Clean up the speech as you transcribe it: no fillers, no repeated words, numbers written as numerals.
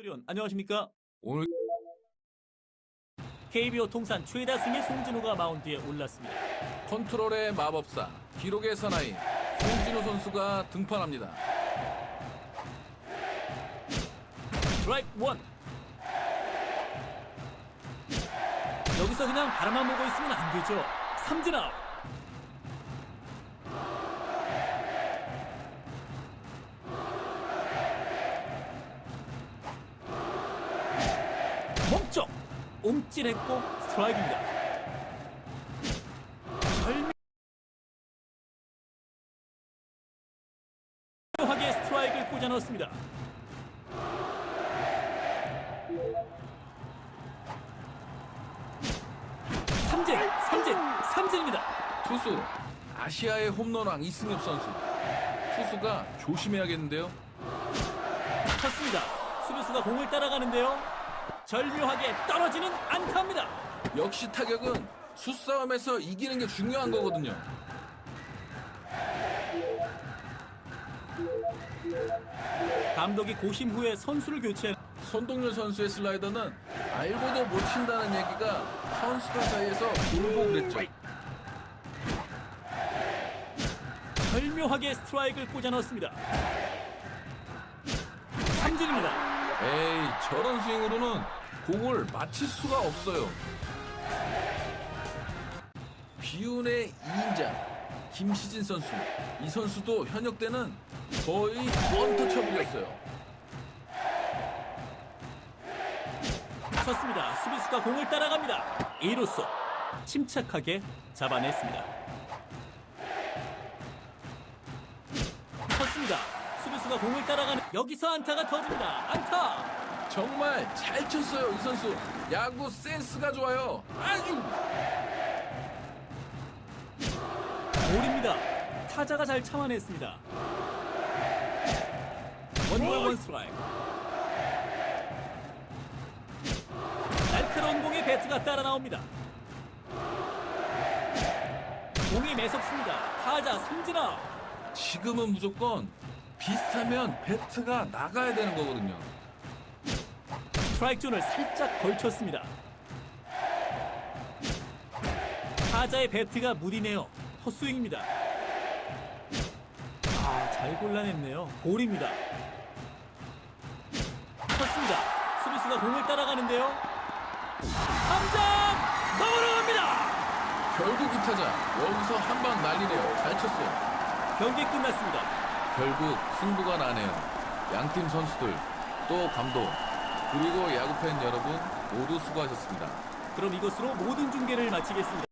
의원 안녕하십니까? 오늘 KBO 통산 최다 승의 송진우가 마운드에 올랐습니다. 컨트롤의 마법사, 기록의 사나이 송진우 선수가 등판합니다. 스트라이크 원. 여기서 그냥 바라만 보고 있으면 안 되죠. 삼진 아웃. 몸쪽 움찔했고 스트라이크입니다. 절묘하게 스트라이크를 꽂아 넣었습니다. 삼진입니다. 투수 아시아의 홈런왕 이승엽 선수. 투수가 조심해야겠는데요. 쳤습니다. 수비수가 공을 따라가는데요. 절묘하게 떨어지는 안타입니다. 역시 타격은 수싸움에서 이기는 게 중요한 거거든요. 감독이 고심 후에 선수를 교체. 손동률 선수의 슬라이더는 알고도 못 친다는 얘기가 선수들 사이에서 돌고 그랬죠. 절묘하게 스트라이크를 꽂아 넣었습니다. 삼진입니다. 에이, 저런 스윙으로는 공을 맞힐 수가 없어요. 비운의 2인자 김시진 선수. 이 선수도 현역 때는 거의 원터처블이었어요. 쳤습니다. 수비수가 공을 따라갑니다. 2루수 침착하게 잡아냈습니다. 쳤습니다. 수비수가 공을 따라가는 여기서 안타가 터집니다. 안타. 정말 잘 쳤어요, 이 선수. 야구 센스가 좋아요. 아주. 볼입니다. 타자가 잘 참아냈습니다. 원볼 원 스트라이크. 날카로운 공에 배트가 따라 나옵니다. 공이 매섭습니다. 타자 삼진 아웃. 지금은 무조건 비슷하면 배트가 나가야 되는 거거든요. 스트라이크 존을 살짝 걸쳤습니다. 타자의 배트가 무디네요. 헛스윙입니다. 잘 골라냈네요. 볼입니다. 쳤습니다. 수비수가 공을 따라가는데요. 당장 넘어갑니다. 결국 이 타자 여기서 한 방 날리네요. 잘 쳤어요. 경기 끝났습니다. 결국 승부가 나네요. 양팀 선수들, 또 감독, 그리고 야구팬 여러분 모두 수고하셨습니다. 그럼 이것으로 모든 중계를 마치겠습니다.